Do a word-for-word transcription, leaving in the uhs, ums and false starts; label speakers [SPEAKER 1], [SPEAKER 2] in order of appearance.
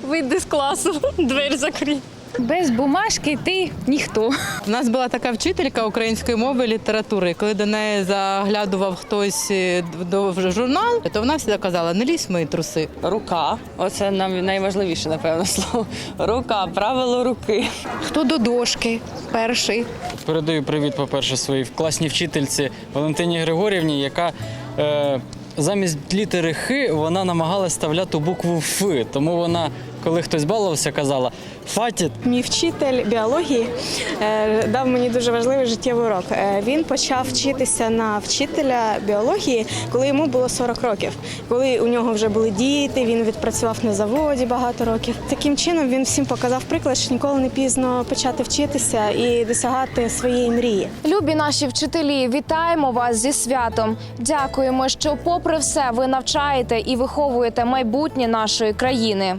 [SPEAKER 1] Вийди з класу, двері закрий.
[SPEAKER 2] Без бумажки ти ніхто.
[SPEAKER 3] У нас була така вчителька української мови і літератури. Коли до неї заглядував хтось до журнал, то вона завжди казала: не лізь в мої труси.
[SPEAKER 4] Рука. Оце нам найважливіше, напевно, слово. Рука, правило руки.
[SPEAKER 2] Хто до дошки перший.
[SPEAKER 5] Передаю привіт, по-перше, своїй класній вчительці Валентині Григорівні, яка е, замість літери Х вона намагалась вставляти букву Ф. Тому вона, коли хтось балувався, казала «фатіт».
[SPEAKER 6] Мій вчитель біології е, дав мені дуже важливий життєвий урок. Е, він почав вчитися на вчителя біології, коли йому було сорок років. Коли у нього вже були діти, він відпрацював на заводі багато років. Таким чином він всім показав приклад, що ніколи не пізно почати вчитися і досягати своєї мрії.
[SPEAKER 7] Любі наші вчителі, вітаємо вас зі святом. Дякуємо, що попри все ви навчаєте і виховуєте майбутнє нашої країни.